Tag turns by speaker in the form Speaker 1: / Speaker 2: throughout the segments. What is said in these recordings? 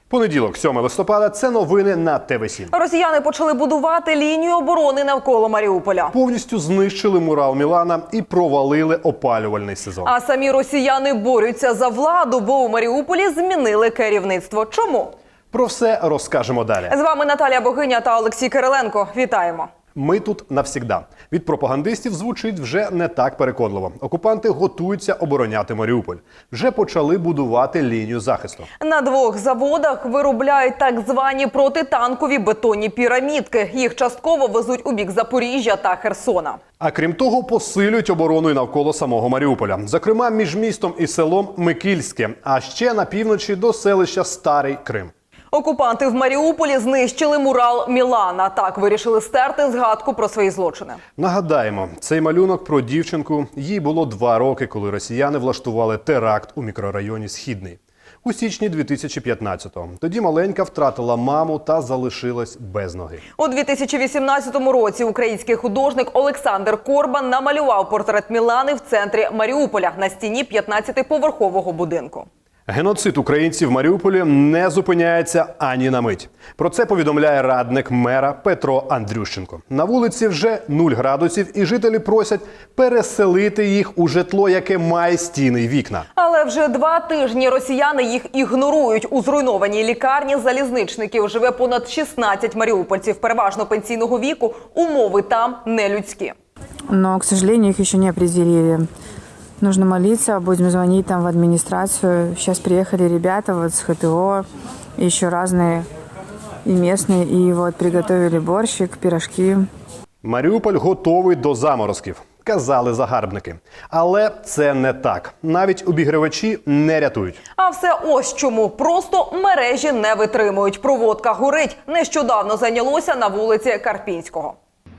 Speaker 1: Понеділок, 7 листопада, це новини на ТВ7.
Speaker 2: Росіяни почали будувати лінію оборони навколо Маріуполя.
Speaker 1: Повністю знищили мурал Мілана і провалили опалювальний сезон.
Speaker 2: А самі росіяни борються за владу, бо у Маріуполі змінили керівництво. Чому?
Speaker 1: Про все розкажемо далі.
Speaker 2: З вами Наталія Богиня та Олексій Кириленко. Вітаємо.
Speaker 1: Ми тут навсігда. Від пропагандистів звучить вже не так переконливо. Окупанти готуються обороняти Маріуполь. Вже почали будувати лінію захисту.
Speaker 2: На 2 заводах виробляють так звані протитанкові бетонні пірамідки. Їх частково везуть у бік Запоріжжя та Херсона.
Speaker 1: А крім того, посилюють оборону і навколо самого Маріуполя. Зокрема, між містом і селом Микільське, а ще на півночі до селища Старий Крим.
Speaker 2: Окупанти в Маріуполі знищили мурал Мілана. Так вирішили стерти згадку про свої злочини.
Speaker 1: Нагадаємо, цей малюнок про дівчинку, їй було 2 роки, коли росіяни влаштували теракт у мікрорайоні Східний. У січні 2015-го. Тоді маленька втратила маму та залишилась без ноги.
Speaker 2: У 2018 році український художник Олександр Корбан намалював портрет Мілани в центрі Маріуполя на стіні 15-поверхового будинку.
Speaker 1: Геноцид українців в Маріуполі не зупиняється ані на мить. Про це повідомляє радник мера Петро Андрющенко. На вулиці вже 0 градусів і жителі просять переселити їх у житло, яке має стіни й вікна.
Speaker 2: Але вже 2 тижні росіяни їх ігнорують. У зруйнованій лікарні залізничників живе понад 16 маріупольців, переважно пенсійного віку. Умови там нелюдські.
Speaker 3: Но, к сожалению, их еще не определили. Нужно молиться, будем звонить там в администрацию. Сейчас приехали ребята вот с ХТО, еще разные и местные, и вот приготовили борщик, пирожки.
Speaker 1: Маріуполь готовий до заморозків, казали загарбники. Але це не так. Навіть обігрівачі не рятують.
Speaker 2: А все ось чому. Просто мережі не витримують. Проводка горить. Нещодавно зайнялося на вулиці Карпінського.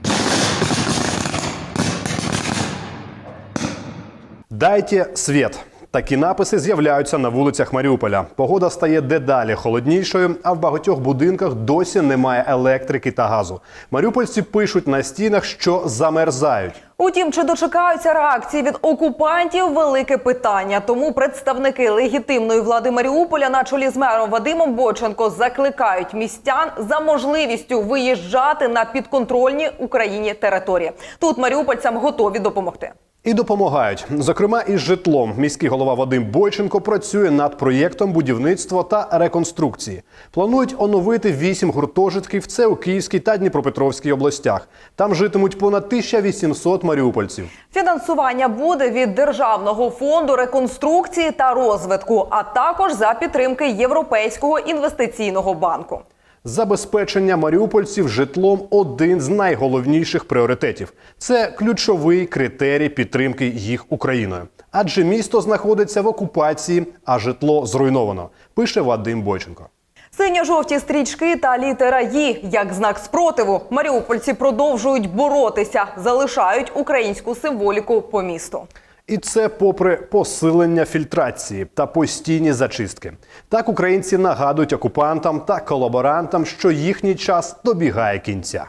Speaker 1: «Дайте світ». Такі написи з'являються на вулицях Маріуполя. Погода стає дедалі холоднішою, а в багатьох будинках досі немає електрики та газу. Маріупольці пишуть на стінах, що замерзають.
Speaker 2: Утім, чи дочекаються реакції від окупантів – велике питання. Тому представники легітимної влади Маріуполя на чолі з мером Вадимом Бойченко закликають містян за можливістю виїжджати на підконтрольні Україні території. Тут маріупольцям готові допомогти.
Speaker 1: І допомагають. Зокрема, із житлом. Міський голова Вадим Бойченко працює над проєктом будівництва та реконструкції. Планують оновити 8 гуртожитків – це у Київській та Дніпропетровській областях. Там житимуть понад 1800 маріупольців.
Speaker 2: Фінансування буде від Державного фонду реконструкції та розвитку, а також за підтримки Європейського інвестиційного банку.
Speaker 1: Забезпечення маріупольців житлом – один з найголовніших пріоритетів. Це ключовий критерій підтримки їх Україною. Адже місто знаходиться в окупації, а житло зруйновано, пише Вадим Бойченко.
Speaker 2: Синьо-жовті стрічки та літера «Ї» як знак спротиву. Маріупольці продовжують боротися, залишають українську символіку по місту.
Speaker 1: І це попри посилення фільтрації та постійні зачистки. Так українці нагадують окупантам та колаборантам, що їхній час добігає кінця.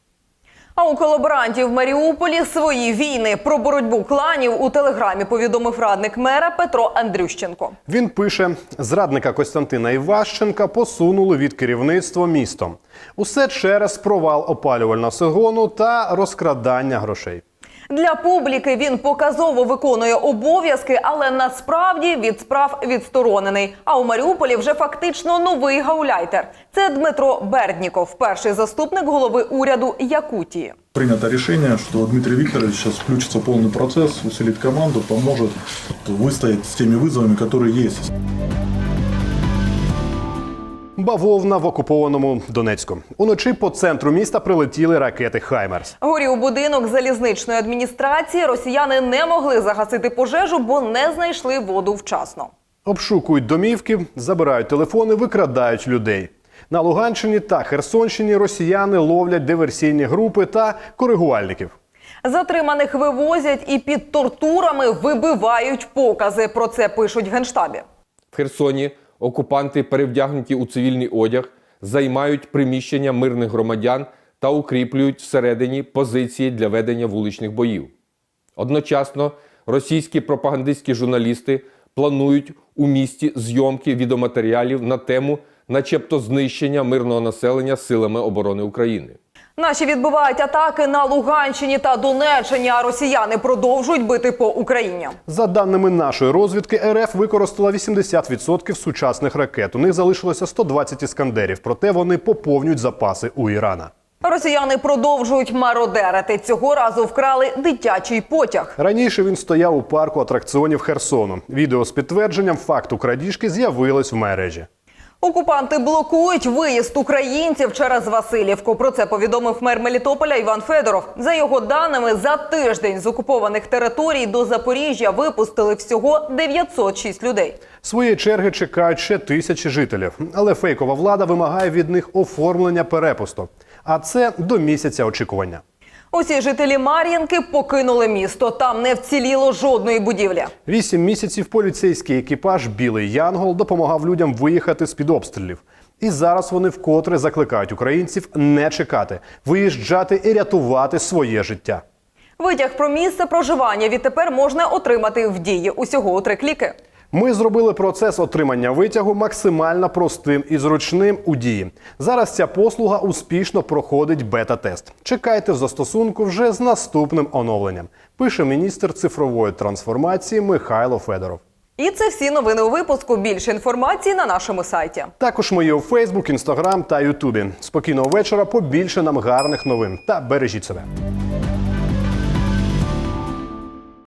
Speaker 2: А у колаборантів в Маріуполі свої війни. Про боротьбу кланів у телеграмі повідомив радник мера Петро Андрющенко.
Speaker 1: Він пише, зрадника Костянтина Іващенка посунули від керівництва містом. Усе через провал опалювального сезону та розкрадання грошей.
Speaker 2: Для публіки він показово виконує обов'язки, але насправді від справ відсторонений. А у Маріуполі вже фактично новий гауляйтер. Це Дмитро Бердніков, перший заступник голови уряду Якутії.
Speaker 4: Принято решение, что Дмитрий Викторович сейчас включится в полный процесс, усилит команду, поможет выстоять с теми вызовами, которые есть.
Speaker 1: Бавовна в окупованому Донецьку. Уночі по центру міста прилетіли ракети «Хаймерс».
Speaker 2: Горів будинок залізничної адміністрації. Росіяни не могли загасити пожежу, бо не знайшли воду вчасно.
Speaker 1: Обшукують домівки, забирають телефони, викрадають людей. На Луганщині та Херсонщині росіяни ловлять диверсійні групи та коригувальників.
Speaker 2: Затриманих вивозять і під тортурами вибивають покази. Про це пишуть в Генштабі.
Speaker 5: В Херсоні окупанти, перевдягнуті у цивільний одяг, займають приміщення мирних громадян та укріплюють всередині позиції для ведення вуличних боїв. Одночасно російські пропагандистські журналісти планують у місті зйомки відеоматеріалів на тему начебто знищення мирного населення силами оборони України.
Speaker 2: Наші відбивають атаки на Луганщині та Донеччині, а росіяни продовжують бити по Україні.
Speaker 1: За даними нашої розвідки, РФ використала 80% сучасних ракет. У них залишилося 120 іскандерів, проте вони поповнюють запаси у Ірана.
Speaker 2: Росіяни продовжують мародерити. Цього разу вкрали дитячий потяг.
Speaker 1: Раніше він стояв у парку атракціонів Херсону. Відео з підтвердженням факту крадіжки з'явилось в мережі.
Speaker 2: Окупанти блокують виїзд українців через Василівку. Про це повідомив мер Мелітополя Іван Федоров. За його даними, за тиждень з окупованих територій до Запоріжжя випустили всього 906 людей.
Speaker 1: Своєї черги чекають ще тисячі жителів. Але фейкова влада вимагає від них оформлення перепусток. А це до місяця очікування.
Speaker 2: Усі жителі Мар'їнки покинули місто. Там не вціліло жодної будівлі.
Speaker 1: 8 місяців поліцейський екіпаж «Білий Янгол» допомагав людям виїхати з-під обстрілів. І зараз вони вкотре закликають українців не чекати, виїжджати і рятувати своє життя.
Speaker 2: Витяг про місце проживання відтепер можна отримати в Дії. Усього у 3 кліки.
Speaker 1: Ми зробили процес отримання витягу максимально простим і зручним у Дії. Зараз ця послуга успішно проходить бета-тест. Чекайте в застосунку вже з наступним оновленням, пише міністр цифрової трансформації Михайло Федоров.
Speaker 2: І це всі новини у випуску. Більше інформації на нашому сайті.
Speaker 1: Також ми є у Фейсбук, Інстаграм та Ютубі. Спокійного вечора, побільше нам гарних новин та бережіть себе.